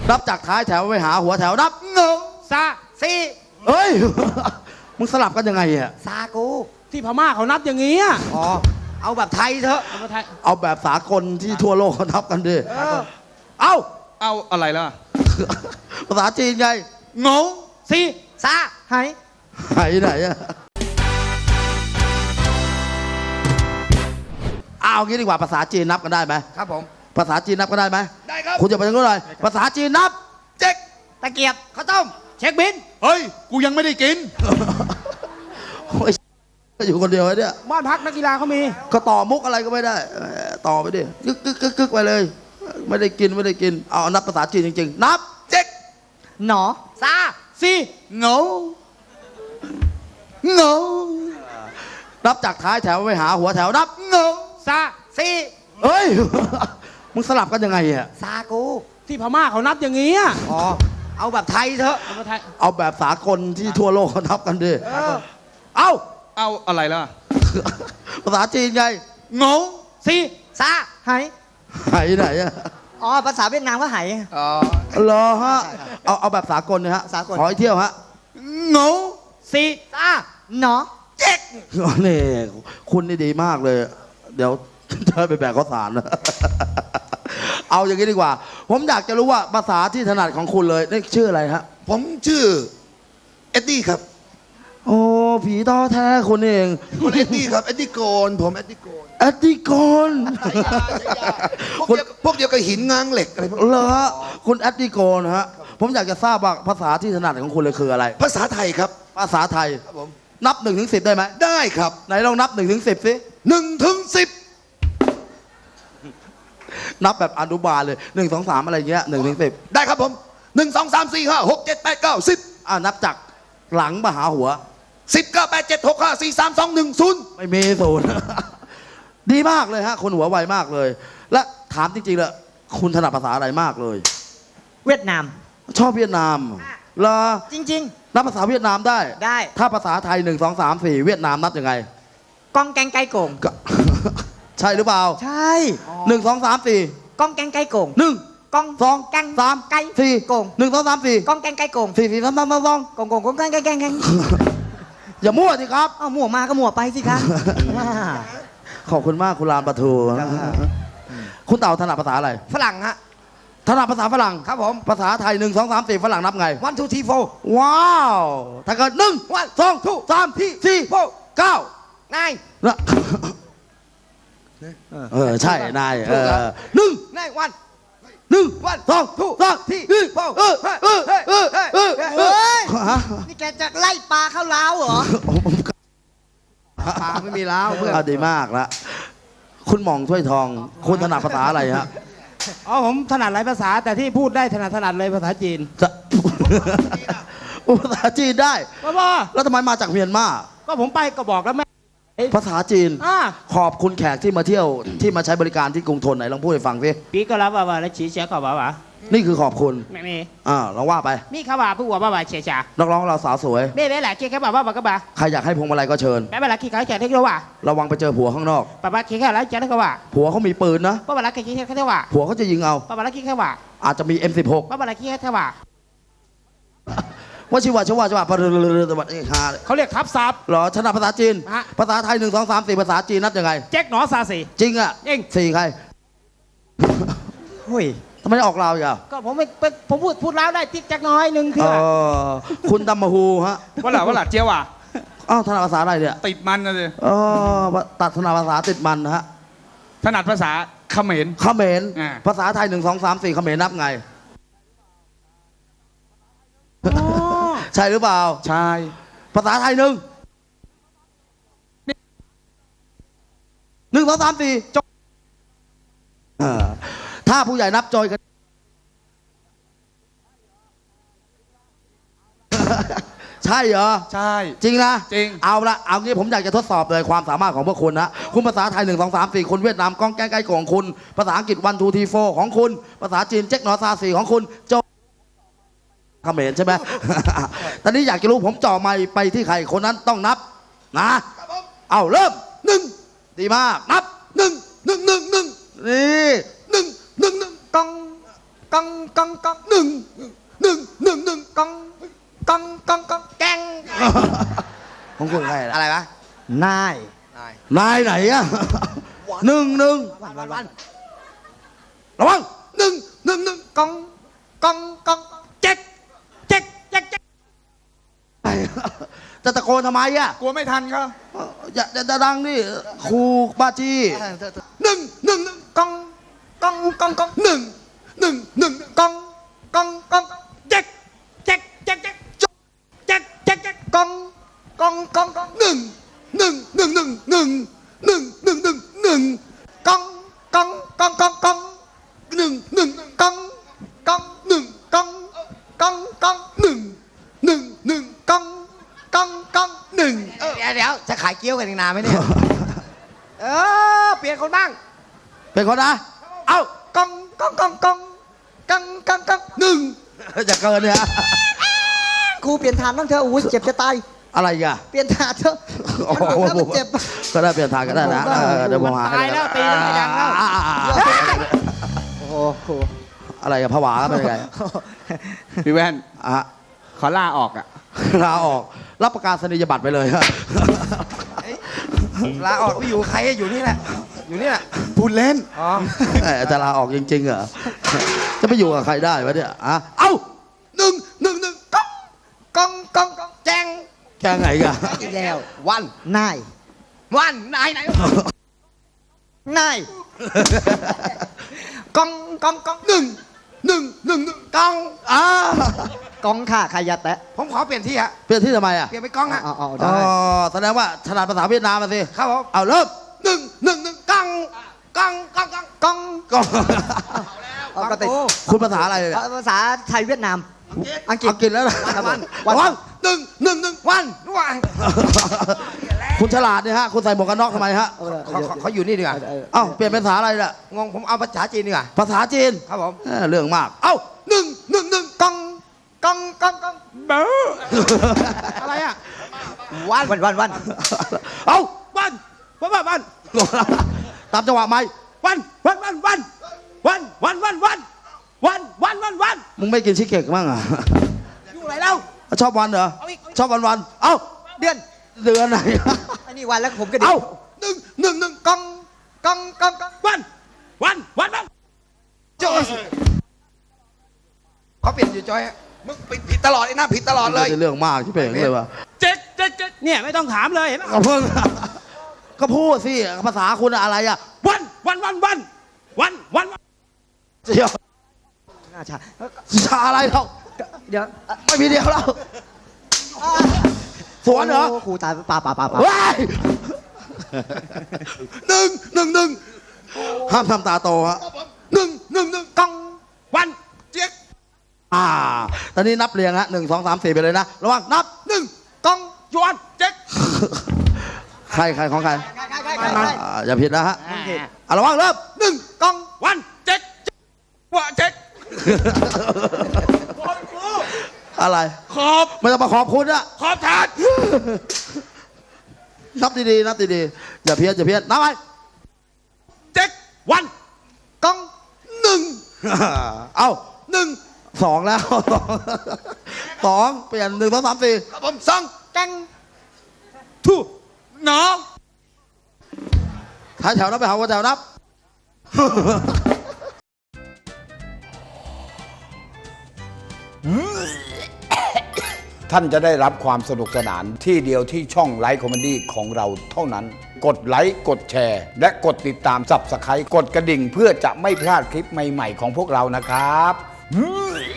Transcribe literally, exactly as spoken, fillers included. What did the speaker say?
นับจากท้ายแถวไปหาหัวแถวนับหนึ่งซาซีเฮ้ย มึงสลับกันยังไงอ่ะซากูที่พม่าเขานับอย่างนี้อ่ะอ๋อเอาแบบไทยเถอะเอามาไทยเอาแบบสากลที่ทั่วโลกเขานับกันดิเออเอาเอาอะไรล่ะภาษาจีนไงงงซีซาไหหายไหนอะเอางี้ดีกว่าภาษาจีนนับกันได้ไหมครับผมภาษาจีนนับกันได้ไหมได้ครับคุณจะไปทางโน้นเลยภาษาจีนนับเจ๊กตะเกียบข้าวต้มเช็คบินเฮ้ย กูยังไม่ได้กินโอ้ยอยู่คนเดียวไอ้เนี่ยบ้านพักนักกีฬาเขามีก็ต่อมุกอะไรก็ไม่ได้เออต่อไปดิกึกกึกกึกกึกไปเลย ไม่ได้กินไม่ได้กินเอานับภาษาจีนจริงๆนับเจ๊กหนอซาซีงงงงนับจากท้ายแถวไปหาหัวแถวนับงงซาซีเฮ้ย มึงสลับกันยังไงอ่ะซากูที่พม่าเขานับอย่างนี้อ่ะอ๋อเอาแบบไทยเถอะเอามาไทยเอาแบบสากลที่ทั่วโลกเขานับกันดิเออเอาเอาอะไรล่ะภาษาจีนไงงงซีซาไหหายไหนอะอ๋อภาษาเวียดนามก็ไหอ๋อเหรอฮะเอาเอาแบบสากลนะฮะสากลขอให้เที่ยวฮะงงซีซาหนอเจ๊กนี่คุณนี่ดีมากเลย เดี๋ยว จะไปแบกข้าวสารนะ เอาอย่างนี้ดีกว่า ผมอยากจะรู้ว่าภาษาที่ถนัดของคุณเลยนี่ชื่ออะไรฮะผมชื่อ เอ็ดดี้ครับโอ้ผีต้อแท้คุณเองคนเอ็ดดี้ครับ เอ็ดดี้โกน ผมเอ็ดดี้โกนแอดดิกอนพวกเดียวพวกเดียวกับหินง้างเหล็กอะไรพวกนี้เหรอฮะคุณแอดดิกอนฮะ ผมอยากจะทราบว่าภาษาที่ถนัดของคุณเลยคืออะไรภาษาไทยครับภาษาไทยครับผมนับหนึ่งถึงสิบได้ไหมได้ครับไหนลองนับหนึ่งถึงสิบสิหนึ่งถึงสิบนับแบบอนุบาลเลยหนึ่งสองสามอะไรเงี้ยหนึ่งถึงสิบได้ครับผมหนึ่งสองสามสี่ห้าหกเจ็ดแปดเก้าสิบอ่านับจากหลังมาหาหัวสิบเก้าแปดเจ็ดหกห้าสี่สามสองหนึ่งศูนย์ไม่มีศูนย์ ดีมากเลยฮะคนหัวไวมากเลย และถามจริงๆเลยคุณถนัดภาษาอะไรมากเลยเวียดนามชอบเวียดนามเหรอจริงนับภาษาเวียดนามได้ๆ ได้ถ้าภาษาไทยหนึ่งสองสามสี่เวียดนามนับยังไงกองแกงไก่โก่งก็ ใช่หรือเปล่าใช่หนึ่งสองสามสี่กองแกงไก่โก่งหนึ่งกองสองแกงสามไก่สี่โก่งหนึ่งสองสามสี่กองแกงไก่โก่งสี่สี่สามสามสามสองโก่งโก่งโก่งแกงแกงแกงแกงอย่ามั่วสิครับเอาหมั่วมาก็หมั่วไปสิคะอ่าขอบคุณมากคุณลานปะทูคุณเต่าถนัดภาษาอะไรฝรั่งฮะถนัดภาษาฝรั่งครับผมภาษาไทยหนึ่งสองสามสี่ฝรั่งนับไง one two three four ว้าว ถ้าเกิดหนึ่ง one สอง two สามสี่สี่ four เก้า nine นะเออ ใช่ นาย เออหนึ่ง nine one หนึ่ง one สอง two สาม three สี่ four เออเออเออเออเออเออฮะนี่แกจะไล่ปลาเข้าล้าวเหรอ ปลาไม่มีล้าวเพื่อนเอาดีมากละคุณหม่องถ้วยทอง คุณถนัดภาษาอะไรฮะอ๋อผมถนัดหลายภาษาแต่ที่พูดได้ถนัดถนัดเลยภาษาจีนจะโอ้ภาษาจีนได้บ้าบ้าแล้วทำไมมาจากเมียนมาก็ผมไปก็บอกแล้วแม่ภาษาจีนอ่าขอบคุณแขกที่มาเที่ยวที่มาใช้บริการที่กรุงทนไหนลองพูดให้ฟังสิปีก็รับว่าว่าแล้วฉีเสียก็ว่าว่านี่คือขอบคุณไม่มีอ่าลองว่าไปมีเขาว่าผู้ว่าว่าว่าเฉียเฉียนักร้องเราสาวสวยไม่ไม่แหละคิดแค่ว่าว่าก็บ่าใครอยากให้พวงมาลัยก็เชิญแม่เวลาคิดเขาจะได้ก็ว่าระวังไปเจอผัวข้างนอกป้าป้าคิดแค่แล้วจะได้ก็ว่าผัวเขามีปืนนะป้าเวลาคิดแค่แค่ว่าผัวเขาจะยิงเอาป้าเวลาคิดแค่ว่าอาจจะมี เอ็ม สิบหกป้าเวลาคิดแค่ว่าว่าชิวาชิวาชิวาปะเรือเรือเรือตะวันเอกฮาเลยเขาเรียกทับศัพท์เหรอถนัดภาษาจีนฮะภาษาไทยหนึ่งสองสามสี่ภาษาจีนนับยังไงแจ็คหนอซาสีจริงอ่ะจริงสี่ใครเฮ้ยทำไมไม่ออกเราอีกอ่ะก็ผมไม่ผมพูดพูดแล้วได้ติ๊กแจ็คน้อยหนึ่งเถื่เอออคุณดัมมาฮูฮะว่าหล่ะว่าหล่ะเจียวอ่ะอ้าวถนัดภาษาอะไรเนี่ยติดมันนะสิเออตัดถนัดภาษาติดมันนะฮะถนัดภาษาเขมรเขมรอ่าภาษาไทยหนึ่งสองสามสี่เขมรนับไงอ๋อใช่หรือเปล่าใช่ภาษาไทยหนึ่งหนึ่งสองสามสี่จบเออถ้าผู้ใหญ่นับจอยกัน ใช่เหรอใช่จริงนะจริงเอาละเอางี้ผมอยากจะทดสอบเลยความสามารถของพวกคุณนะคุณภาษาไทยหนึ่งสองสามสี่คุณเวียดนามก้องแก้งใกล้ของคุณภาษาอังกฤษวันทูทีโฟของคุณภาษาจีนเจ๊กหนอซาสี่ของคุณโจเขมรใช่ไหม ตอนนี้อยากจะรู้ผมจ่อไมค์ไปที่ใครคนนั้นต้องนับนะเอาเริ่มหนึ่งดีมากนับหนึ่งหนึ่งหนึ่งหนึ่งนี่หนึ่งหนึ่งหนึ่งกองกังกังกังหนึ่งหนึ่งหนึ่งหนึ่งกังกังกังกังแกงของคุณใครอะล่ะไรวะนายนายนายไหนอะหนึ่งหนึ่งวันวันวันระวังหนึ่งหนึ่งหนึ่งกังกังกังเจ๊กเจ๊กเจ๊กเจ๊กจะตะโกนทำไมอะกลัวไม่ทันครับอย่าอย่าดังดิครูบ้าจี้หนึ่งหนึ่งหนึ่งกังกังกังกังหนึ่งหนึ่งหนึ่งกังกังกังเจ๊กเจ๊กเจ๊กเจ๊กเจ๊กเจ๊กเจ๊กกังกังกังกังหนึ่งหนึ่งหนึ่งหนึ่งหนึ่งหนึ่งหนึ่งหนึ่งหนึ่งกังกังกังกังกังหนึ่งหนึ่งหนึ่งกังกังหนึ่งกังกังกังหนึ่งหนึ่งหนึ่งกังกังกังหนึ่งเดี๋ยวเดี๋ยวจะขายเกี๊ยวกันอีกนานไหมเนี่ย เออ เปลี่ยนคนบ้างเป็นคนนะ เอ้ากังกังกังกังกังกังกังหนึ่งจะเกินเนี่ยครูเปลี่ยนฐานบ้างเถอะอุ้ยเจ็บจะตายอะไรอีกอะเปลี่ยนฐานเถอะโอ้โหมันเจ็บก็ได้เปลี่ยนทางก็ได้นะเออเดี๋ยวผมหาตายแล้วตีแล้วไม่ดังแล้วอ่าอ่าอ่าโอ้โหอะไรกับผวาเป็นยังไงพี่แว่นอ่ะขอลาออกอ่ะลาออกรับประกาศนียบัตรไปเลยฮะลาออกไปอยู่ใครอยู่นี่แหละ อยู่นี่แหละพูดเล่นอ๋อเอ้ยจะลาออกจริงๆเหรอจะไปอยู่กับใครได้วะเนี่ยอ่ะเอ้าหนึ่งหนึ่งหนึ่งกังกังกังกังแจงแค่ไงกันอีกแล้ววันนายวันนายไหนนายกังกังกังหนึ่งหนึ่งหนึ่งหนึ่งกังอ่ากองค่ะใครอย่าแตะผมขอเปลี่ยนที่ฮะเปลี่ยนที่ทำไมอ่ะเปลี่ยนไปกองฮะเอาเอาอ๋อแสดงว่าถนัดภาษาเวียดนามมาสิครับผมเอาเริ่มหนึ่งหนึ่งหนึ่งกังกังกังกังกังก็ปกติคุณภาษาอะไรเนี่ยภาษาไทยเวียดนาม อังกฤษอังกฤษแล้วนะวันระวังหนึ่งหนึ่งหนึ่งวันวันคุณฉลาดเนี่ยฮะคุณใส่หมวกกันน็อกทำไมฮะเขาเขาเขาอยู่นี่ดีกว่าเอ้าเปลี่ยนเป็นภาษาอะไรล่ะงงผมเอาภาษาจีนดีกว่าภาษาจีนครับผมเออเรื่องมาก เอ้าหนึ่งหนึ่งหนึ่งกังกังกังกังเบออะไรอ่ะวันวันวันวันเอ้าวันวันวันวันตามจังหวะไหมวันวันวันวันวันวันวันวันวันวันวันวันมึงไม่กินชิคเก้กมั้งอ่ะอยู่ไหนเล่าชอบวันเหรอเอาอีกเอาอีกชอบวันวันๆเอ้าเดือนเดือนไหนอันนี้วันแล้วผมก็ดีเอ้าหนึ่งหนึ่งหนึ่งกังกังกังกังวันวันวันวันโจ้เขาเปลี่ยนอยู่จอยฮะมึงผิดผิดตลอดไอ้หน้าผิดตลอดเลยเรื่องมากที่เป่งเลยว่ะเจ๊กเจ๊กเจ๊กเนี่ยไม่ต้องถามเลยเห็นไหมก็เพิ่ง ก็พูดสิภาษาคุณอะไรอ่ะวันวันวันวันวันวันวันเดี๋ยวน่าชาชาอะไรเราเดี๋ยวไม่มีเดียวแล้วสวนเหรอโครูตายป่าป่าป่าป่าว้ายหนึ่งหนึ่งหนึ่งห้ามทำตาโตฮะหนึ่งหนึ่งหนึ่งกังวันเจ๊กอ่า ตอนนี้นับเรียงฮะหนึ่งสองสามสี่ไปเลยนะ ระวังนับหนึ่งกังยวนเจ๊กใครใครของใครใกล้ใกล้ใกล้ใกล้อ่าอย่าผิดนะฮะอ่ะระวังเริ่มหนึ่งกังวันเจ๊กว่าเจ๊กอะไรขอบไม่ต้องมาขอบคุณอะขอบทานนับดีๆนับดีๆอย่าเพี้ยนอย่าเพี้ยนนับไปเจ๊กวันกังหนึ่งเอ้าหนึ่งสองแล้ว สองเปลี่ยนหนึ่งสองสามสี่ครับผมสองแกงทูน้องท้ายแถวนับไปหาว่าแถวนับท่านจะได้รับความสนุกสนานที่เดียวที่ช่องไลฟ์คอมเมดี้ของเราเท่านั้น กดไลค์กดแชร์ และกดติดตามสับสไครต์กดกระดิ่งเพื่อจะไม่พลาดคลิปใหม่ๆของพวกเรานะครับ